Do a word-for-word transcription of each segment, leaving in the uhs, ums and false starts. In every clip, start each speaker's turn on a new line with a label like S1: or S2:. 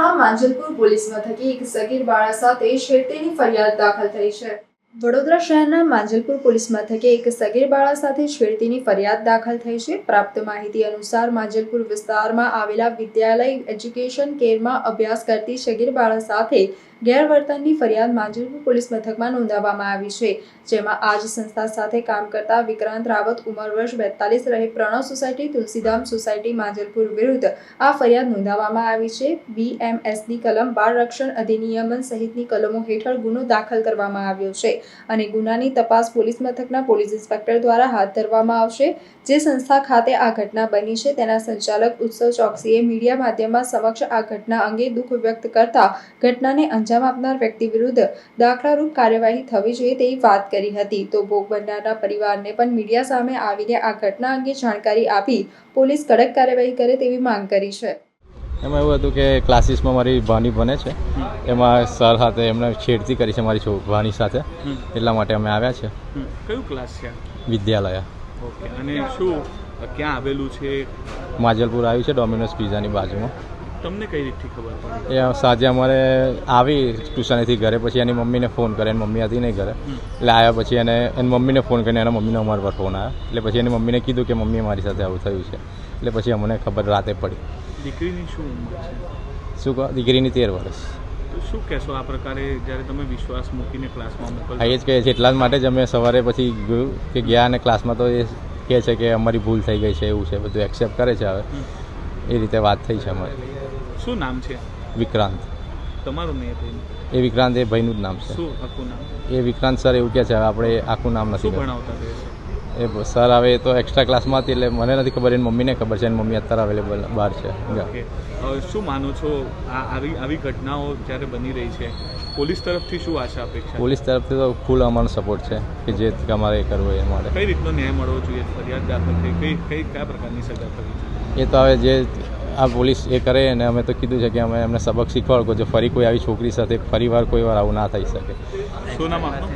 S1: શહેરના માંજલપુર પોલીસ મથકે એક સગીર બાળા સાથે છેડતીની ફરિયાદ દાખલ થઈ છે। વડોદરા શહેરના માંજલપુર પોલીસ મથકે એક સગીર બાળા સાથે છેડતીની ફરિયાદ દાખલ થઈ છે। પ્રાપ્ત માહિતી અનુસાર માંજલપુર વિસ્તારમાં આવેલા વિદ્યાલય એજ્યુકેશન કેરમાં અભ્યાસ કરતી સગીર બાળા સાથે ગેરવર્તનની ફરિયાદ માંજલપુર પોલીસ મથકમાં નોંધાવવામાં આવી છે, જેમાં આ જ સંસ્થા સાથે કામ કરતા વિક્રાંત રાવત ઉંમર વર્ષ બેતાલીસ રહે પ્રણવ સોસાયટી તુલસીધામ સોસાયટી માંજલપુર વિરુદ્ધ આ ફરિયાદ નોંધાવવામાં આવી છે। બીએમએસની કલમ બાળ રક્ષણ અધિનિયમન સહિતની કલમો હેઠળ ગુનો દાખલ કરવામાં આવ્યો છે અને ગુનાની તપાસ પોલીસ મથકના પોલીસ ઇન્સ્પેક્ટર દ્વારા હાથ ધરવામાં આવશે। જે સંસ્થા ખાતે આ ઘટના બની છે તેના સંચાલક ઉત્સવ ચોકસીએ મીડિયા માધ્યમમાં સમક્ષ આ ઘટના અંગે દુઃખ વ્યક્ત કરતા ઘટનાને અંજામ આપનાર વ્યક્તિ વિરુદ્ધ દાખલારૂપ કાર્યવાહી થવી જોઈએ તેવી વાત કરી હતી। તો ભોગ બનનારના પરિવારને પણ મીડિયા સામે આવીને આ ઘટના અંગે જાણકારી આપી પોલીસ કડક કાર્યવાહી કરે તેવી માંગ કરી છે।
S2: એમાં એવું હતું કે ક્લાસીસમાં મારી ભાણી બને છે, એમાં સર સાથે એમને છેડતી કરી છે મારી ભાણી સાથે, એટલા માટે અમે આવ્યા છે।
S3: કયું ક્લાસ છે?
S2: વિદ્યાલય।
S3: ઓકે, અને શું ક્યાં આવેલું છે?
S2: માંજલપુર આવ્યું છે, ડોમિનોઝ પિઝાની બાજુમાં।
S3: તમને કઈ રીતથી ખબર પડી?
S2: એ સાંજે અમારે આવી ટ્યુશનેથી ઘરે, પછી એની મમ્મીને ફોન કરે, એની મમ્મી હતી નહીં ઘરે, એટલે આવ્યા પછી એને એની મમ્મીને ફોન કરીને એના મમ્મીને અમારા પર ફોન આવ્યો, એટલે પછી એની મમ્મીને કીધું કે મમ્મી મારી સાથે આવું થયું છે, એટલે પછી અમને ખબર રાતે પડી।
S3: દીકરીની શું ઉંમર છે?
S2: શું કહો? દીકરીની તેર વર્ષ।
S3: તો શું કહેશો આ પ્રકારે જ્યારે તમે વિશ્વાસ મૂકીને ક્લાસમાં મોકલો?
S2: હા, એ જ કહે છે, એટલા જ માટે જ અમે સવારે પછી ગયું કે ગયા અને ક્લાસમાં તો એ કહે છે કે અમારી ભૂલ થઈ ગઈ છે, એવું છે, બધું એક્સેપ્ટ કરે છે। હવે એ રીતે વાત થઈ છે અમારી।
S3: શું નામ છે?
S2: વિક્રાંત।
S3: તમારું નહીં ભાઈ?
S2: એ વિક્રાંત એ ભાઈનું જ નામ છે।
S3: શું આખું નામ?
S2: એ વિક્રાંત સર એવું કહે છે, હવે આપણે આખું નામ નથી
S3: ભણાવતા રહે છે
S2: એ સર। હવે એ તો એક્સ્ટ્રા ક્લાસમાં હતી એટલે મને નથી ખબર, એની મમ્મીને ખબર છે, એની મમ્મી અત્યારે અવેલેબલ બહાર છે।
S3: ઓકે, શું માનો છો આ આવી આવી ઘટનાઓ જ્યારે બની રહી છે, પોલીસ તરફથી શું આશા અપેક્ષા?
S2: પોલીસ તરફથી તો ફૂલ અમારો સપોર્ટ છે કે જે અમારે એ કરવું એ માટે।
S3: કઈ રીતનો ન્યાય મળવો જોઈએ? ફરિયાદ દાખલ થઈ કઈ કઈ કયા પ્રકારની સજા થવી જોઈએ?
S2: એ તો હવે જે આ પોલીસ એ કરે, અને અમે તો કીધું છે કે અમે એમને સબક શીખવાડો, જો ફરી કોઈ આવી છોકરી સાથે ફરી વાર કોઈ વાર આવું ના થઈ શકે।
S3: શું નામ આપનું?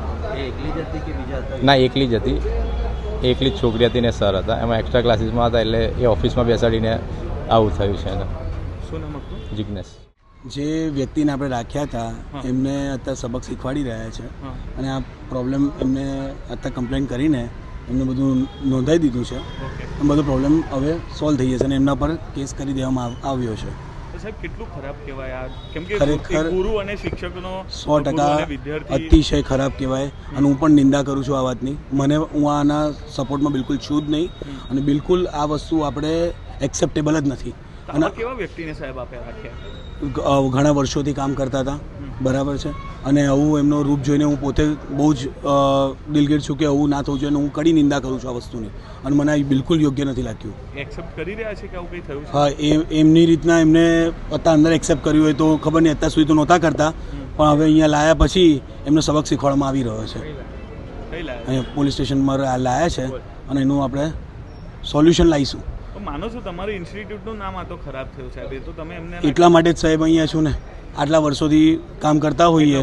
S2: ના, એકલી જ હતી, એકલી જ છોકરી હતી ને સર હતા, એમાં એક્સ્ટ્રા ક્લાસીસમાં હતા, એટલે એ ઓફિસમાં બેસાડીને આવું થયું છે એને।
S3: શું નામ આપનું?
S2: જિગ્નેશ।
S4: જે વ્યક્તિને આપણે રાખ્યા હતા એમને અત્યારે સબક શીખવાડી રહ્યા છે, અને આ પ્રોબ્લેમ એમને અત્યારે કમ્પ્લેન કરીને એમને બધું નોંધાવી દીધું છે, અને બધો પ્રોબ્લેમ હવે સોલ્વ થઈ જશે અને એમના પર કેસ કરી દેવામાં આવ્યો છે।
S3: સાહેબ, કેટલું ખરાબ કહેવાય આ? કેમ કે
S4: ખરેખર
S3: ગુરુ અને શિક્ષકનો
S4: સો ટકા અતિશય ખરાબ કહેવાય, અને હું પણ નિંદા કરું છું આ વાતની। મને હું આના સપોર્ટમાં બિલકુલ છું જ નહીં, અને બિલકુલ આ વસ્તુ આપણે એક્સેપ્ટેબલ જ નથી।
S3: અને કેવા વ્યક્તિને સાહેબ આપે રાખ્યા?
S4: ઘણા વર્ષોથી કામ કરતા હતા, બરાબર છે, અને આવું એમનો રૂપ જોઈને હું પોતે બહુ જ દિલગીર છું કે આવું ના થવું જોઈએ, અને હું કડી નિંદા કરું છું આ વસ્તુની, અને મને આ બિલકુલ યોગ્ય નથી લાગ્યું।
S3: એક્સેપ્ટ કરી રહ્યા છે કે આવું કંઈ થયું છે?
S4: હા, એ એમની રીતના એમને અત્યારે અંદર એક્સેપ્ટ કર્યું હોય તો ખબર નહીં, અત્યાર સુધી તો નહોતા કરતા, પણ હવે અહીંયા લાયા પછી એમને સબક શીખવાડવામાં આવી રહ્યો છે। અહીંયા પોલીસ સ્ટેશનમાં લાયા છે, અને એનું આપણે સોલ્યુશન લાવીશું।
S3: માનો છો તમારી ઇન્સ્ટિટ્યૂટનું નામ આ તો ખરાબ થયું સાહેબ? એ તો તમે એમને
S4: એટલા માટે જ સાહેબ અહીંયા છું ને, આટલા વર્ષોથી કામ કરતા હોઈએ,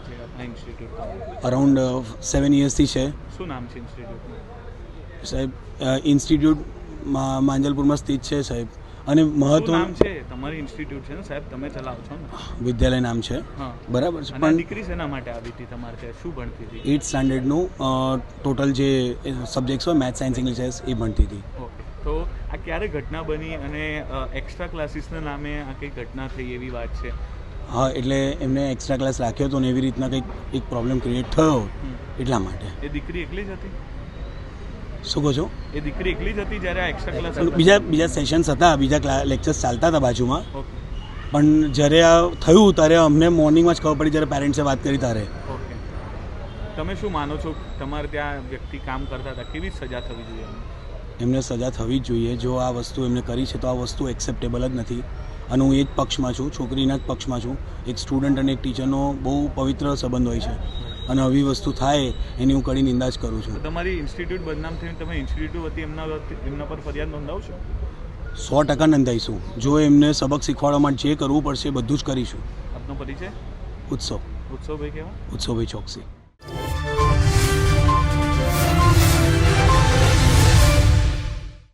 S4: અરાઉન્ડ સેવન યર્સથી છે।
S3: શું નામ છે ઇન્સ્ટિટ્યૂટનું?
S4: સાહેબ, ઇન્સ્ટિટ્યૂટ માંજલપુરમાં સ્થિત છે સાહેબ, અને મહત્વ
S3: નામ છે તમારી ઇન્સ્ટિટ્યૂટ છે ને સાહેબ, તમે ચલાવો છો ને?
S4: વિદ્યાલય નામ છે, બરાબર છે।
S3: પણ દીકરી શેના માટે આવી હતી તમારે ત્યાં? શું ભણતી હતી?
S4: એઇટ સ્ટાન્ડર્ડનું ટોટલ જે સબ્જેક્ટ્સ હોય, મેથ્સ, સાયન્સ, ઇંગ્લિશ, એ ભણતી હતી।
S3: ઓકે, તો આ ક્યારે ઘટના બની અને એક્સ્ટ્રા ક્લાસીસના નામે આ કઈ ઘટના થઈ એવી વાત છે?
S4: હા, એટલે એમને એક્સ્ટ્રા ક્લાસ રાખ્યો હતો ને એવી રીતના કંઈક એક પ્રોબ્લેમ ક્રિએટ થયો, એટલા માટે।
S3: એ દીકરી એકલી જ હતી?
S4: શું કહો છો?
S3: એ દીકરી એકલી જ હતી જ્યારે આ એક્સ્ટ્રા ક્લાસ?
S4: બીજા બીજા સેશન્સ હતા, બીજા લેક્ચર્સ ચાલતા હતા બાજુમાં, પણ જ્યારે આ થયું ત્યારે અમને મોર્નિંગમાં જ ખબર પડી, જ્યારે પેરેન્ટ્સે વાત કરી ત્યારે।
S3: ઓકે, તમે શું માનો છો? તમારે ત્યાં વ્યક્તિ કામ કરતા હતા, કેવી સજા થવી જોઈએ?
S4: એમને સજા થવી જ જોઈએ। જો આ વસ્તુ એમને કરી છે તો આ વસ્તુ એક્સેપ્ટેબલ જ નથી, અને હું એ જ પક્ષમાં છું, છોકરીના જ પક્ષમાં છું। એક સ્ટુડન્ટ અને એક ટીચરનો બહુ પવિત્ર સંબંધ હોય છે, અને આવી વસ્તુ થાય એની હું કડી નિંદા જ કરું છું।
S3: તમારી ઇન્સ્ટિટ્યૂટ બદનામ થઈને તમે ઇન્સ્ટિટ્યૂટ વતી એમના એમના પર ફરિયાદ નોંધાવશો?
S4: સો ટકા નોંધાઈશું। જો એમને સબક શીખવાડવા માટે જે કરવું પડશે બધું જ કરીશું।
S3: આપનો પરિચય?
S4: ઉત્સવ
S3: ઉત્સવભાઈ કેવા?
S4: ઉત્સવભાઈ ચોકસી।